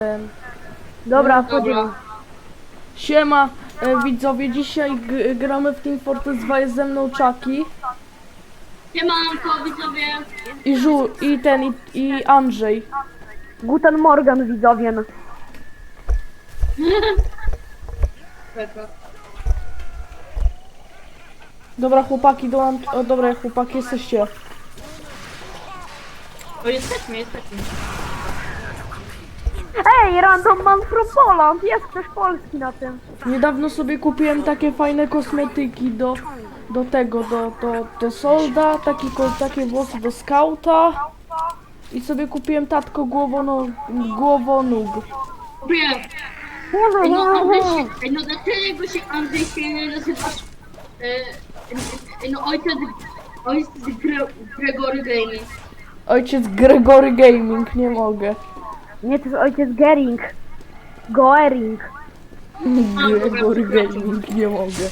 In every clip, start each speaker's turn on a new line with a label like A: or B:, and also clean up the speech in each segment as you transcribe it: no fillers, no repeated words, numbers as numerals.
A: Dobra, wchodzimy.
B: Siema, widzowie, dzisiaj gramy w Team Fortress 2, jest ze mną Chucky
C: Siemanko widzowie.
B: i Andrzej.
A: Guten Morgen, widzowie.
B: Dobra chłopaki, dobra chłopaki, jesteście.
C: O, jesteśmy.
A: Ej, random man from Poland. Jest też Polski na tym.
B: Niedawno sobie kupiłem takie fajne kosmetyki do solda, takie włosy do skauta i sobie kupiłem tatko głowonóg.
C: Wiem. Ej, no dlaczego się Andrzej się nie nazywasz? No ojciec Gregory Gaming.
B: Ojciec Gregory Gaming, nie mogę.
A: Nie, to jest ojciec Gering. Goering.
B: Gregory Gaming, nie mogę.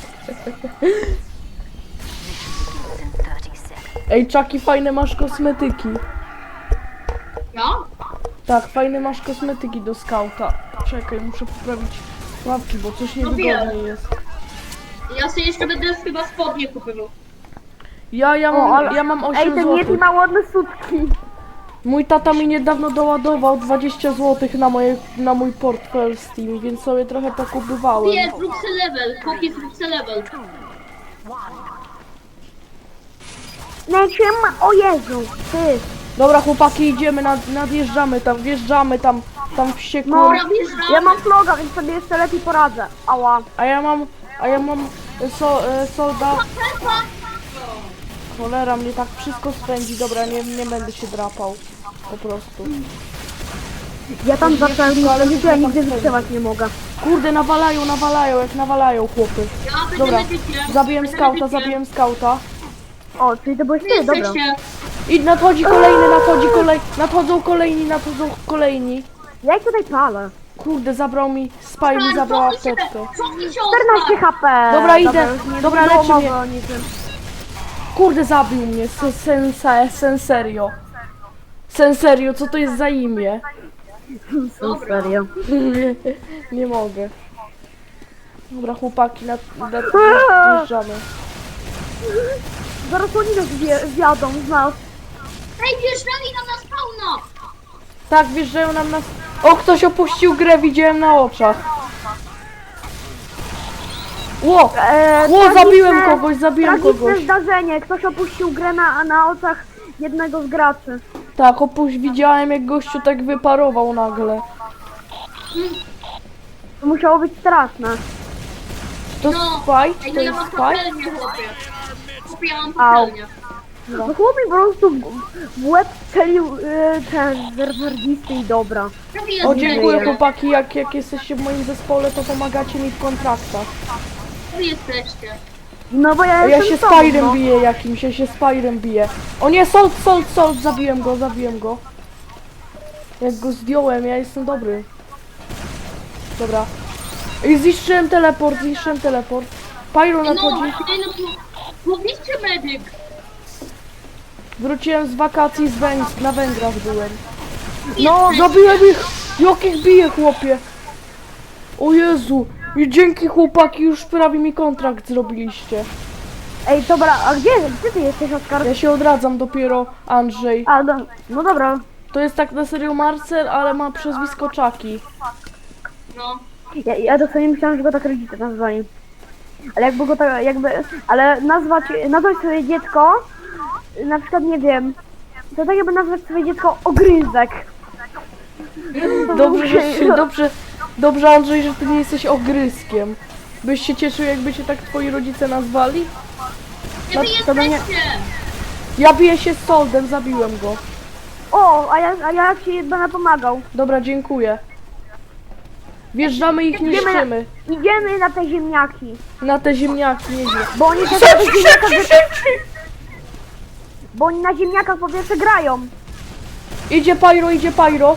B: Ej, Chucky, fajne masz kosmetyki.
C: Ja?
B: Tak, fajne masz kosmetyki do skauta. Czekaj, muszę poprawić łapki, bo coś niewygodnie jest.
C: Ja sobie jeszcze będę chyba spodnie kupował.
B: Ja mam 8
A: Ej, ten Yeti
B: zł.
A: ma ładne sutki.
B: Mój tata mi niedawno doładował 20 zł na mój portfel Steam, więc sobie trochę pokupywałem.
C: Jest, zrób se level. Chłopie, zrób se level.
A: Lecimy, o Jezu, ty.
B: Dobra chłopaki, idziemy, nadjeżdżamy tam, wjeżdżamy tam wściekło.
A: No,
C: Dobra, wjeżdżamy.
A: ja mam vloga, więc sobie jeszcze lepiej poradzę. Ała.
B: A ja mam solda. Cholera, mnie tak wszystko spędzi, dobra, nie będę się drapał. Po prostu.
A: Ja tam zacząłem,
B: ale
A: ale ja nigdy
B: tak
A: wytrzymać nie mogę.
B: Kurde, nawalają chłopy.
C: Ja będę
B: Dobra,
C: medykiem.
B: zabiłem skauta.
A: O, czyli to byłeś
C: Wy
A: ty, dobra.
C: jesteście.
B: I nadchodzą kolejni.
A: Ja ich tutaj palę.
B: Kurde, Spy mi zabrał apteczkę.
C: Cofnij się
A: 14 HP.
B: Dobra, idę.
A: już
B: Dobra,
A: nie
B: leczy
A: było
B: mnie.
A: mowy o niczym.
B: Kurde, zabił mnie, Senserio, co to jest za imię?
A: Serio.
B: Nie mogę. Dobra, chłopaki, nadjeżdżamy.
A: Zaraz oni nas zjadą z nas.
C: Ej, wjeżdżali nam na spawna.
B: Tak, wjeżdżają nam nas. O, ktoś opuścił grę, widziałem na oczach. Ło, zabiłem kogoś.
A: Tragiczne zdarzenie. Ktoś opuścił grę na oczach jednego z graczy.
B: Tak, widziałem jak gościu tak wyparował nagle.
A: To musiało być straszne.
B: To
C: No.
B: Spy?
C: Ej,
B: To
C: no ja
B: jest
C: mam
B: Spy?
C: patelnię, chłopie. Chłopie, ja mam
A: Au.
C: patelnię.
A: No chłop mi po prostu w łeb strzelił ten zerwardisty i dobra.
C: Prawie jest
B: O, dziękuję
A: Żyję.
B: chłopaki, jak jesteście w moim zespole, to pomagacie mi w kontraktach.
C: Wy jesteście.
A: No bo ja
B: Ja
A: jestem
B: się
A: sobą,
B: Spyrem
A: no.
B: biję jakimś, O nie, Sold, zabiłem go. Jak go zdjąłem, ja jestem dobry. Dobra. I zniszczyłem teleport. Pyro
C: No,
B: nadchodzi.
C: mówicie medyk.
B: Wróciłem z wakacji na Węgrach byłem.
A: No,
B: Zabiłem ich! Jakich bije, chłopie! O Jezu! I dzięki chłopaki, już prawie mi kontrakt zrobiliście.
A: ej, dobra, a gdzie ty jesteś, Oskar?
B: Ja się odradzam dopiero, Andrzej.
A: A, no dobra.
B: To jest tak na serio Marcel, ale ma przezwisko Chucky.
C: No.
A: Ja dosłownie myślałam, że go tak rodzice nazwali. Ale jakby go tak, ale nazwać swoje dziecko, na przykład nie wiem, to tak jakby nazwać swoje dziecko Ogryzek.
B: Dobrze Andrzej, że ty nie jesteś ogryzkiem. Byś się cieszył, jakby się tak twoi rodzice nazwali?
C: Gdzie wy
B: to mnie-
C: jesteście?
B: Ja biję się z Soldem, zabiłem go.
A: O, a ja ci będę pomagał.
B: Dobra, dziękuję. Wjeżdżamy ich, niszczymy.
A: Idziemy na te ziemniaki.
B: Na te ziemniaki jedzie.
A: Bo oni też na tych ziemniakach... Bo oni na ziemniakach po pierwsze grają.
B: Idzie Pyro.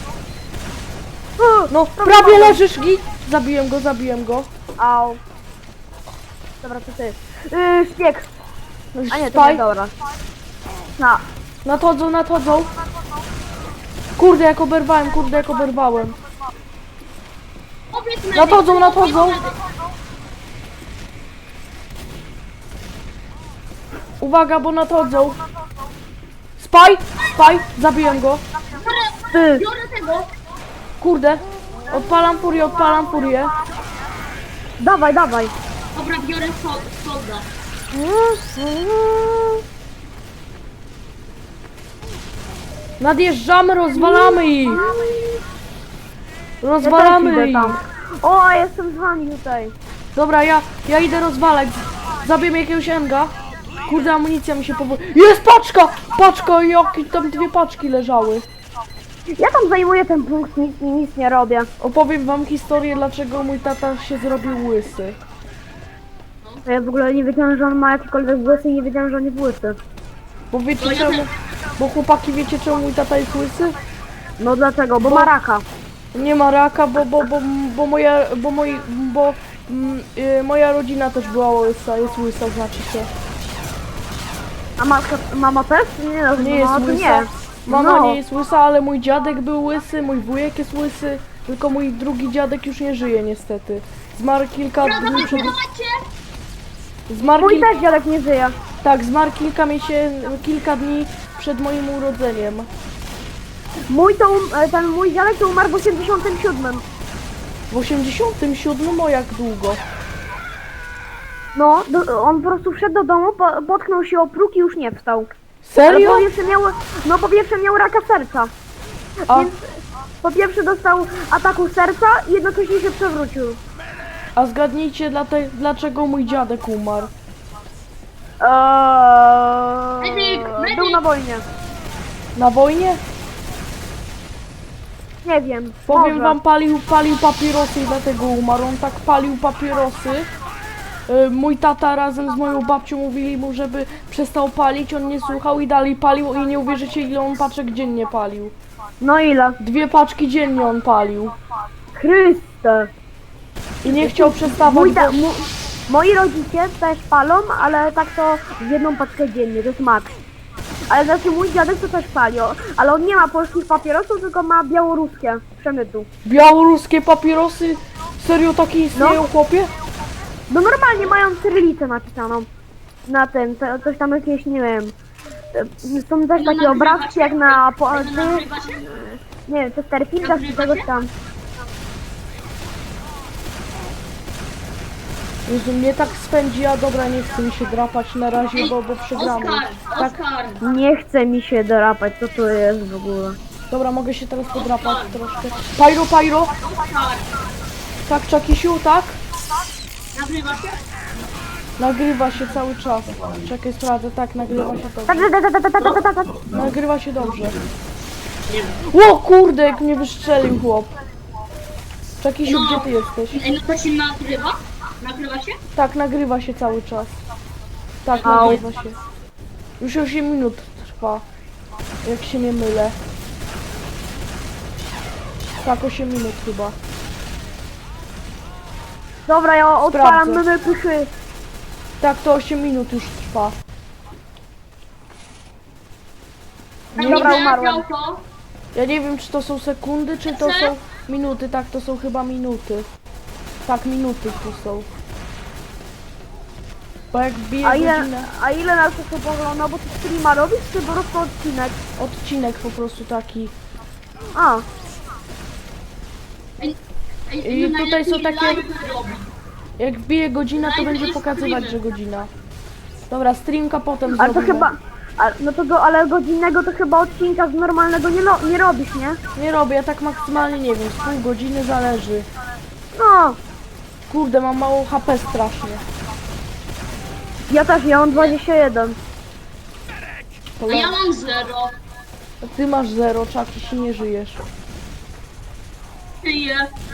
B: No,
A: prawie
B: prawie
A: mam.
B: leżysz, git. Zabiłem go.
A: Au. Dobra, to ty. Szpieg. A nie, to
B: Spy.
A: nie, dobra. No.
B: Nadchodzą. Kurde, jak oberwałem.
C: medyk,
B: Nadchodzą, nadchodzą. Uwaga, bo nadchodzą. Spaj! Spaj! Zabiłem go.
A: Ty.
C: Biorę tego.
B: Kurde. Odpalam furię, odpalam furię.
A: Dawaj, dawaj.
C: Dobra, biorę solda.
B: Nadjeżdżamy, rozwalamy ich. Rozwalamy
A: idę
B: ich.
A: tam. O, jestem z wami tutaj.
B: Dobra, ja idę rozwalać. Zabiję jakiegoś enga. Kurde, amunicja mi się powoli... Jest paczka! Paczka, jakie tam 2 paczki leżały.
A: Ja tam zajmuję ten punkt, nic nie robię.
B: Opowiem wam historię, dlaczego mój tata się zrobił łysy.
A: Ja w ogóle nie wiedziałem, że on ma jakiekolwiek włosy i nie wiedziałem, że on jest łysy.
B: Bo wiecie
C: No ja
B: czemu?
C: też.
B: Bo chłopaki, wiecie czemu mój tata jest łysy?
A: No dlaczego? Bo ma raka.
B: Nie ma raka, moja rodzina też była łysa, jest łysa, znaczy się.
A: A mama też? Nie, no,
B: Nie jest
A: mama to
B: łysa.
A: nie.
B: Mama
A: No.
B: nie jest łysa, ale mój dziadek był łysy, mój wujek jest łysy, tylko mój drugi dziadek już nie żyje niestety. Zmarł kilka dni przed... Zmarł
A: Mój też dziadek nie żyje.
B: Tak, zmarł kilka dni przed moim urodzeniem.
A: Ten mój dziadek to umarł w 87.
B: W 87, o jak długo?
A: No, on po prostu wszedł do domu, potknął się o próg i już nie wstał. Ale
B: Serio?
A: po pierwsze miał raka serca.
B: A,
A: Więc po pierwsze dostał ataku serca i jednocześnie się przewrócił.
B: a zgadnijcie dlaczego mój dziadek umarł.
C: Medyk!
A: Był na wojnie.
B: Na wojnie?
A: Nie wiem.
B: Powiem
A: może.
B: wam, palił papierosy i dlatego umarł. On tak palił papierosy. Mój tata razem z moją babcią mówili mu, żeby przestał palić, on nie słuchał i dalej palił i nie uwierzycie, ile on paczek dziennie palił.
A: No ile?
B: 2 paczki dziennie on palił.
A: Chryste.
B: I nie chciał przestawać, bo...
A: Moi rodzice też palą, ale tak to w jedną paczkę dziennie, to jest maks. Ale znaczy mój dziadek to też pali, ale on nie ma polskich papierosów, tylko ma białoruskie przemytu.
B: Białoruskie papierosy? Serio takie istnieją, chłopie?
A: No normalnie mają cyrylicę napisaną na tym, coś tam jakieś, nie wiem. Są też takie obrazki jak na...
C: Nagrywa się?
A: Nie wiem, Chesterfieldach czy czegoś tam.
B: Jezu, mnie tak spędzi, a dobra, nie chcę mi się drapać na razie, bo przegramy. Tak,
C: Oskar!
A: Nie chce mi się drapać, co to jest w ogóle.
B: dobra, mogę się teraz podrapać troszkę. Pyro!
C: Oskar!
B: Tak, Czakisiu, tak?
C: Nagrywa się?
B: Nagrywa się cały czas. Czekaj, sprawdzę, tak, nagrywa się dobrze.
A: Tak.
B: Nagrywa się dobrze. O kurde, jak mnie wystrzelił chłop. Czakisiu, gdzie ty jesteś?
C: Ej, no to się nagrywa? Nagrywa się?
B: Tak, nagrywa się cały czas. Tak,
A: Au.
B: nagrywa się. Już 8 minut trwa. Jak się nie mylę. Tak, 8 minut chyba.
A: Dobra, ja odpalam
B: Sprawdzę.
A: mymy pychy.
B: Tak, to 8 minut już trwa.
A: Dobra, umarłem.
C: To.
B: Ja nie wiem, czy to są sekundy, czy to są minuty. Tak, to są chyba minuty. Tak, minuty tu są. Bo jak bije godzinę...
A: A ile nas to pogląda? Bo ty streama robisz, czy po prostu odcinek?
B: Odcinek po prostu taki.
A: A,
B: I tutaj są takie-
C: live'y robi.
B: Jak bije godzina, to będzie pokazywać, że godzina. Dobra, streamka potem
A: ale to
B: zrobimy.
A: chyba... ale godzinnego to chyba odcinka z normalnego nie robisz, nie?
B: Nie robię, ja tak maksymalnie nie wiem, z pół godziny zależy.
A: No,
B: Kurde, mam mało HP strasznie.
A: ja mam 21.
C: A ja mam 0.
B: Ty masz 0, czaki, się nie żyjesz.
C: Tyję.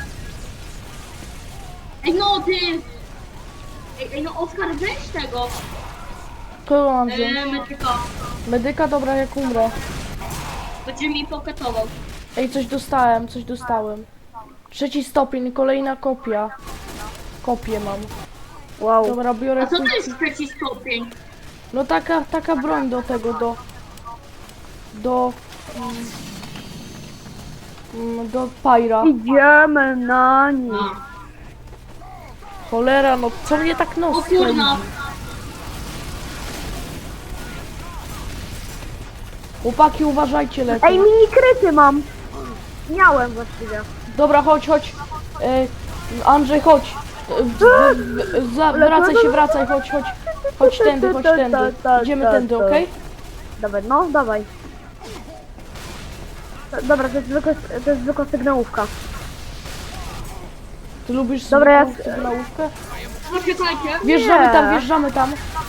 C: Ej no ty! Ej no Oskar, weź tego!
B: Kogo mam wziąć?
C: Medyka.
B: Medyka, dobra, jak umrę.
C: Będzie mi poketował.
B: Ej, coś dostałem. 3. stopień, kolejna kopia. Kopię mam.
A: Wow.
B: Dobra, biorę
C: A co to
B: kulki.
C: jest 3. stopień?
B: No taka broń do tego, do... Do Pyra.
A: Idziemy na nich.
C: A.
B: Cholera, no co mnie tak
C: O
B: nos
C: kurna.
B: pędzi? Chłopaki, uważajcie lepiej.
A: Ej, mini kryty mam. Miałem właściwie.
B: Dobra, chodź. Andrzej, chodź. Wracaj, chodź. Chodź tędy. Idziemy tędy, okej?
A: Dawaj, no, dawaj. Dobra, to jest zwykła sygnałówka.
B: Ty lubisz
A: Dobra, ja-
B: sygnałówkę?
C: Poczekajcie.
B: Wjeżdżamy tam.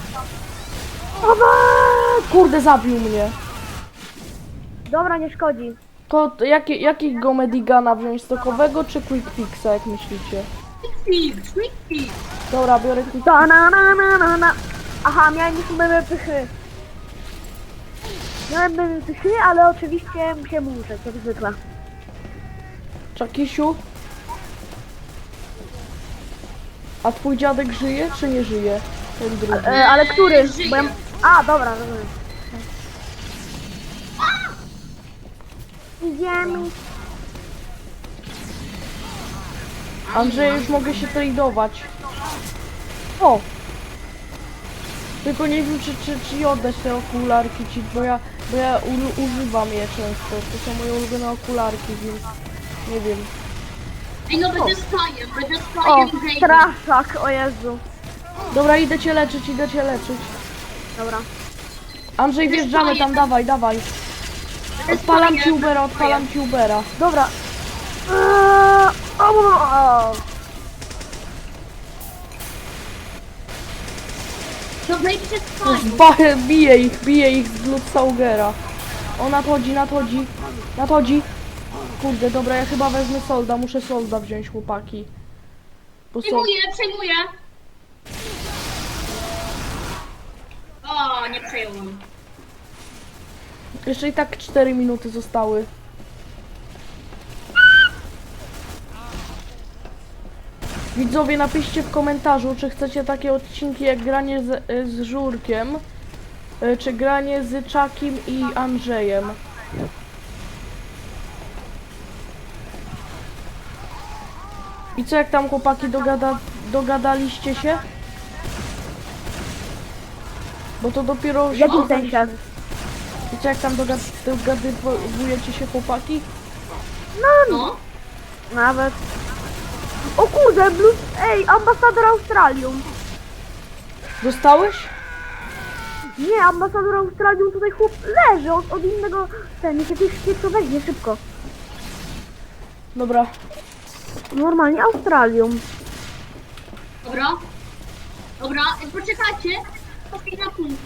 B: Kurde, zabił mnie.
A: Dobra, nie szkodzi.
B: To jakiego Medigana wziąć? Stokowego czy Quick Fixa, jak myślicie?
C: Quick fix.
B: Dobra, biorę Quick
A: Ta na. Aha, miałem już memy pychy. Miałem memy pychy, ale oczywiście musiałem umrzeć, jak zwykle.
B: Czakisiu? A twój dziadek żyje, czy nie żyje? Ten drugi.
A: Ale który?
C: Żyje.
A: Bo ja... A, dobra, rozumiem. Idziemy.
B: Andrzej, już mogę się tradeować.
A: O,
B: Tylko nie wiem, czy oddać te okularki ci, bo ja używam je często. To są moje ulubione okularki, więc nie wiem.
C: Ej, no będę spajem
A: o,
C: Jaden.
A: straszak, o Jezu.
B: Dobra, idę cię leczyć.
A: Dobra.
B: Andrzej, wjeżdżamy tam, dawaj. Odpalam ci Ubera.
A: Dobra.
C: To wejdźcie spajem.
B: Bije ich z Bloodsaugera. O, nadchodzi. Kurde, dobra, ja chyba wezmę solda, muszę solda wziąć, chłopaki. Bo
C: Przejmuję. O, nie przejąłem.
B: jeszcze i tak 4 minuty zostały. Widzowie, napiszcie w komentarzu, czy chcecie takie odcinki jak granie z Żurkiem, czy granie z Czakim i Andrzejem. I co, jak tam chłopaki dogadaliście się? Bo to dopiero...
A: W jakim sensie?
B: I co, jak tam dogadujecie się, chłopaki?
C: No.
A: Nawet. O kurde, Ej, ambasador Australium.
B: Dostałeś?
A: Nie, ambasador Australium tutaj chłop leży od innego... Ten, niech jakiś to weźmie szybko.
B: Dobra.
A: Normalnie Australium.
C: Dobra, poczekajcie. Poczekaj na punkt.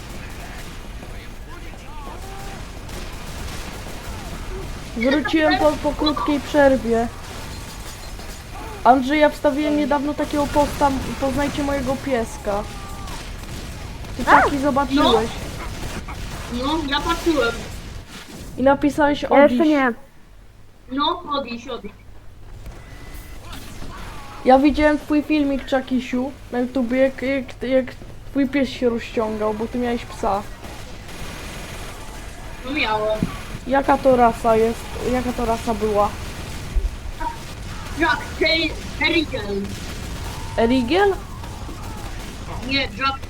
B: Wróciłem po krótkiej przerwie. Andrzej, ja wstawiłem niedawno takiego posta, poznajcie mojego pieska. Ty taki zobaczyłeś.
C: No, ja patrzyłem.
B: I napisałeś
A: Ja jeszcze
B: odejść.
A: nie.
C: No, odejść.
B: Ja widziałem twój filmik, Czakisiu, na YouTubie, jak twój pies się rozciągał, bo ty miałeś psa.
C: No miałem.
B: Jaka to rasa jest? Jaka to rasa była?
C: Jack Terrigal.
B: Erigiel?
C: Nie, Jack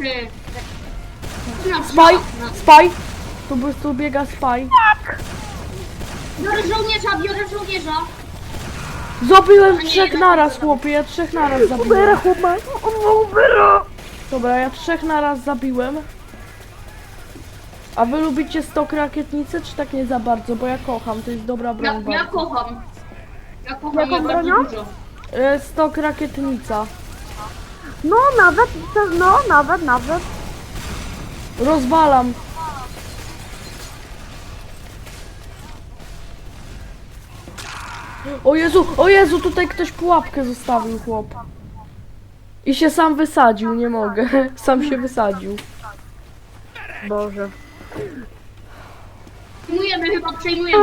B: Spy! Tu biega Spy.
C: Biorę żołnierza.
B: Zabiłem 3 naraz, chłopie, ja 3 naraz zabiłem.
A: Ubera chłopak. Ubera.
B: Dobra, ja 3 naraz zabiłem. A wy lubicie stok rakietnicy, czy tak nie za bardzo? Bo ja kocham, to jest dobra broń
C: Ja
B: bardzo.
C: kocham.
A: Jaką
C: Ja bardzo
A: bronią?
C: dużo.
B: Stok rakietnica.
A: No, nawet.
B: Rozwalam. O Jezu, tutaj ktoś pułapkę zostawił, chłop. I się sam wysadził, nie mogę. Sam się wysadził.
A: Boże.
C: Przejmujemy.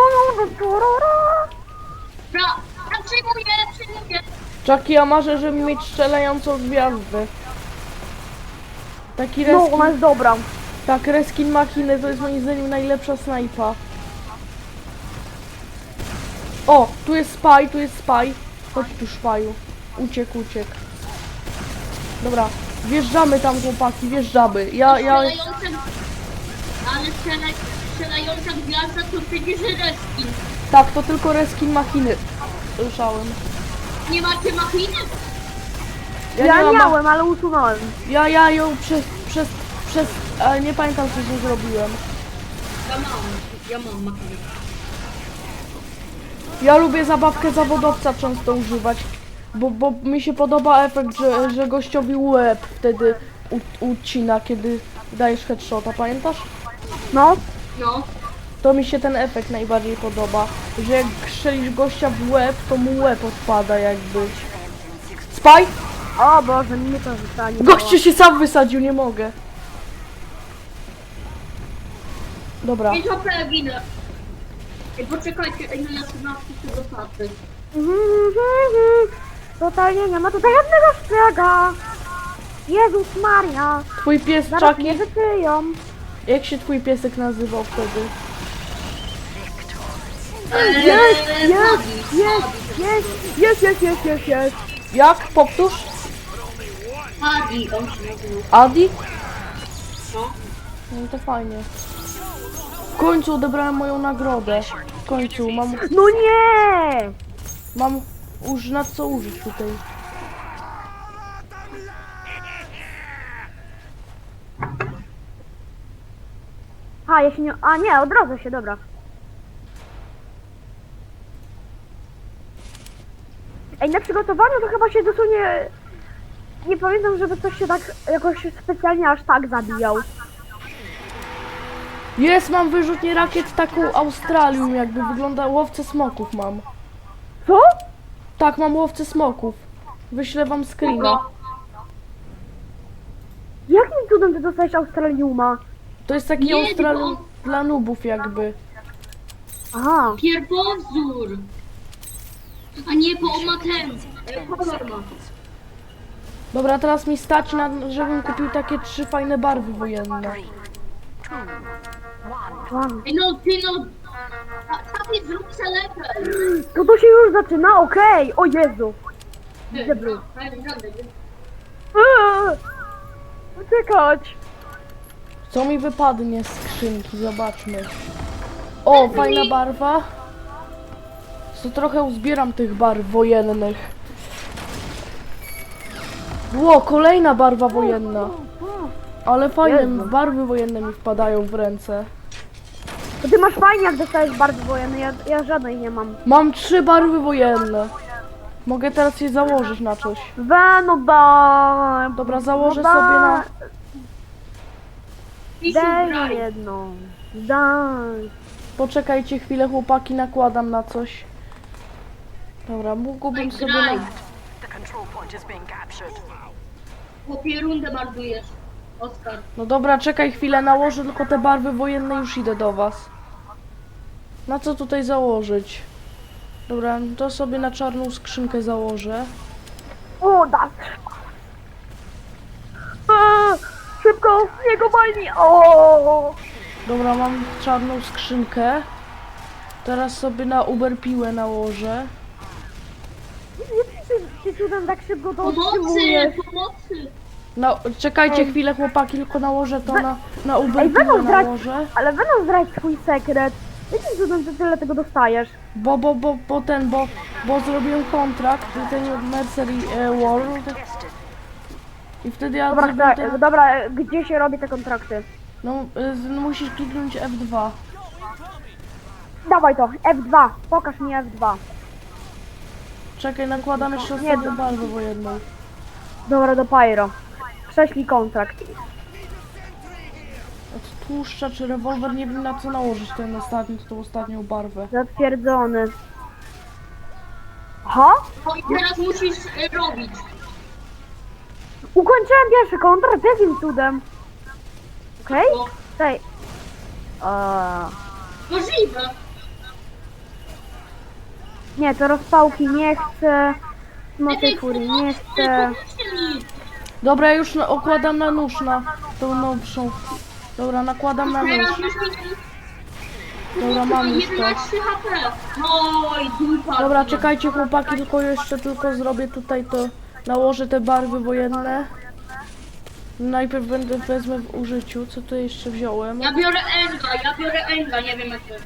C: Ja przejmuję.
B: Czaki, ja marzę, żeby mieć strzelającą gwiazdę. Taki
A: No,
B: reskin,
A: ona jest dobra.
B: tak, reskin machiny to jest moim zdaniem najlepsza snajpa. O, tu jest spy, tu jest spy. Chodź tu, szpaju. Uciekł. Dobra, wjeżdżamy tam, chłopaki, wjeżdżamy. Ja...
C: Ale strzelająca gwiazda to przecież reskin.
B: Tak, to tylko reskin machiny. Słyszałem.
C: Nie macie machiny?
B: Ja
A: Ja
B: nie mam...
A: miałem, ale usunąłem.
B: Ja ją ale nie pamiętam, co z nią zrobiłem.
C: Ja mam machiny.
B: Ja lubię zabawkę zawodowca często używać, bo mi się podoba efekt, że gościowi łeb wtedy ucina, kiedy dajesz headshota, pamiętasz?
A: No.
C: No.
B: To mi się ten efekt najbardziej podoba, że jak strzelisz gościa w łeb, to mu łeb odpada jakby. Spy?
A: O Boże, mnie to zostanie.
B: Gościu się sam wysadził, nie mogę. Dobra.
C: 5 HP ginę. Ej, poczekajcie, ej, na 13 się dopatrzę.
A: Totalnie nie ma tutaj żadnego szpiega. Jezus Maria.
B: Twój pies
A: Zaraz
B: Chucky?
A: mnie wytyją.
B: Jak się twój piesek nazywał wtedy?
A: Jest.
B: Jak? Powtórz?
C: Adi, on się nazywa.
B: Adi?
C: No.
B: No to fajnie. W końcu odebrałem moją nagrodę. W końcu
A: No nie!
B: mam na co użyć tutaj.
A: A, ja się nie... A nie, odrodzę się, dobra. Ej, na przygotowaniu to chyba się dosłownie... Nie pamiętam, żeby ktoś się tak jakoś specjalnie aż tak zabijał.
B: Jest, mam wyrzutnię rakiet taką Australią, jakby wygląda, łowcę smoków mam.
A: Co?
B: Tak, mam łowcę smoków. Wyślę wam screena.
C: No.
A: Jakim cudem ty dostałeś Australiuma?
B: To jest taki
C: Nie,
B: Australium
C: tylko-
B: dla nubów jakby.
A: Aha.
C: Pierwowzór. A nie, bo on ma ten. Kolor ma.
B: Dobra, teraz mi stać na, żebym kupił takie 3 fajne barwy wojenne.
A: Wow.
C: Ej, no, ty no. Taki zrób se lepiej.
A: To się już zaczyna? Okej. O Jezu. Widzę blue. Uciekać.
B: Co mi wypadnie z skrzynki? Zobaczmy. O, fajna barwa. To trochę uzbieram tych barw wojennych. Ło, kolejna barwa wojenna. Ale fajne
A: Jezu.
B: barwy wojenne mi wpadają w ręce.
A: To ty masz fajnie, jak dostajesz barwy wojenne. Ja żadnej nie mam.
B: Mam 3 barwy wojenne. Mogę teraz je założyć na coś.
A: No daj.
B: Dobra, założę
A: No
B: sobie na...
A: Daj jedną. Daj.
B: Poczekajcie chwilę, chłopaki, nakładam na coś. Dobra, mógłbym sobie na...
C: Chłopie, rundę marnujesz. Oskar.
B: No dobra, czekaj chwilę, nałożę tylko te barwy wojenne, już idę do was. Na co tutaj założyć? Dobra, to sobie na czarną skrzynkę założę.
A: O, da. Szybko, jego bali. O.
B: Dobra, mam czarną skrzynkę. Teraz sobie na Uber piłę nałożę.
A: Ty cudem tak szybko to
C: Pomocy,
A: otrzymujesz.
C: pomocy.
B: No, czekajcie chwilę, chłopaki, tylko nałożę to na Uber
A: Ej,
B: piłę
A: będą zdrać,
B: nałożę.
A: ale będą zdrać swój sekret. Jakim cudem ty tyle tego dostajesz?
B: Bo zrobiłem kontrakt, ten Mercery World. I wtedy ja
A: Dobra,
B: zrobiłem
A: tak, dobra, gdzie się robi te kontrakty?
B: No, musisz kliknąć F2.
A: Dawaj to, F2, pokaż mi F2.
B: Czekaj, nakładam jeszcze
A: Nie,
B: ostatnią barwę wojenną.
A: Dobra, do Pyro. Prześlij kontrakt.
B: Od tłuszcza czy rewolwer, nie wiem na co nałożyć tą ostatnią barwę.
A: Zatwierdzony. Aha?
C: No i teraz musisz robić.
A: Ukończyłem pierwszy kontrakt, jakim cudem? Okej?
C: No,
A: Tej.
C: możliwe.
A: Nie, to rozpałki nie chcę. Mocy
C: Ej,
A: furii nie
C: pomóżcie,
A: chcę.
C: pomóżcie mi.
B: Dobra, ja już okładam na nóż, na tą nowszą. Dobra, nakładam na nóż.
C: Teraz już mi...
B: Dobra, mam już to.
C: 11 HP. Oj, dupa.
B: Dobra, czekajcie chłopaki, tylko zrobię tutaj to. Nałożę te barwy wojenne. Najpierw wezmę w użyciu, co tu jeszcze wziąłem.
C: Ja biorę Enga, nie wiem jak to.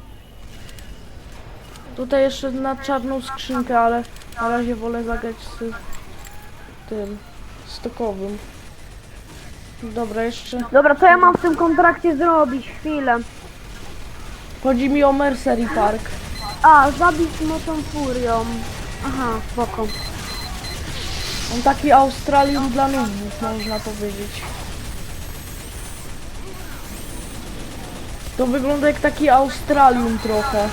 B: Tutaj jeszcze na czarną skrzynkę, ale na razie wolę zagrać z tym stokowym. Dobra, jeszcze
A: Dobra, co ja mam w tym kontrakcie zrobić? Chwilę.
B: chodzi mi o Mercery Park.
A: A, zabić mocą furią. Aha, spoko.
B: On taki Australium dla nubów, można powiedzieć. To wygląda jak taki Australium trochę.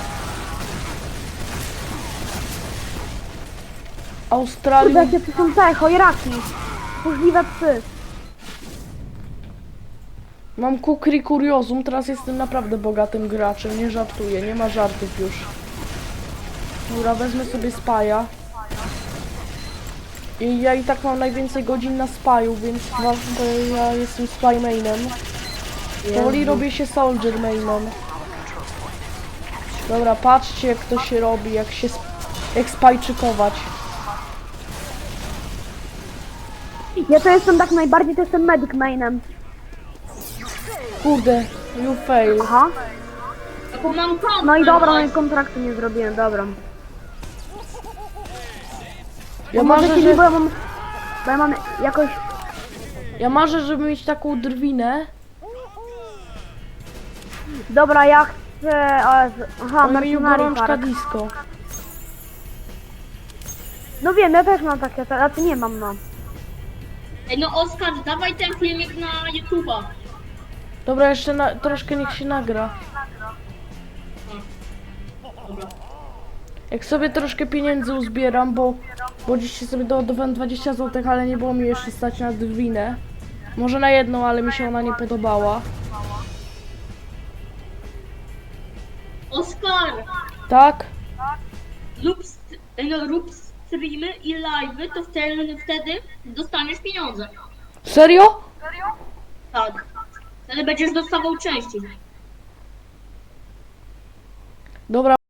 A: Kurde,
B: Australium.
A: jakie to są te chojraki. Możliwe psy.
B: Mam kukri kuriozum, teraz jestem naprawdę bogatym graczem, nie żartuję, nie ma żartów już. Dobra, wezmę sobie spaja. I ja i tak mam najwięcej godzin na spaju, więc bo ja jestem spy mainem. Powoli robię się soldier mainem. Dobra, patrzcie jak to się robi, jak spajczykować.
A: Ja to jestem tak najbardziej, to jestem medic mainem.
B: Kurde, you fail.
A: Aha.
C: Taką mam tam.
A: No i dobra, no i kontraktu nie zrobiłem, dobra.
B: Ja
A: Może
B: marzę,
A: ci, bo
B: że,
A: ja mam jakoś...
B: ja marzę, żeby mieć taką drwinę.
A: Dobra, ja chcę... Aha,
B: On mi
A: Mercenary
B: gorączka
A: Park.
B: disco.
A: No wiem, ja też mam takie, a ty nie mam, no.
C: Ej, no Oskar, dawaj ten filmik na YouTube'a.
B: Dobra, jeszcze troszkę niech się nagra.
C: Dobra.
B: Jak sobie troszkę pieniędzy uzbieram, bo dziś sobie doładowałem 20 zł, ale nie było mi jeszcze stać na drwinę. Może na jedną, ale mi się ona nie podobała.
C: Oskar,
B: Tak?
C: rób streamy i live'y, to wtedy dostaniesz pieniądze.
B: Serio?
C: Tak. Wtedy będziesz dostawał częściej.
B: Dobra.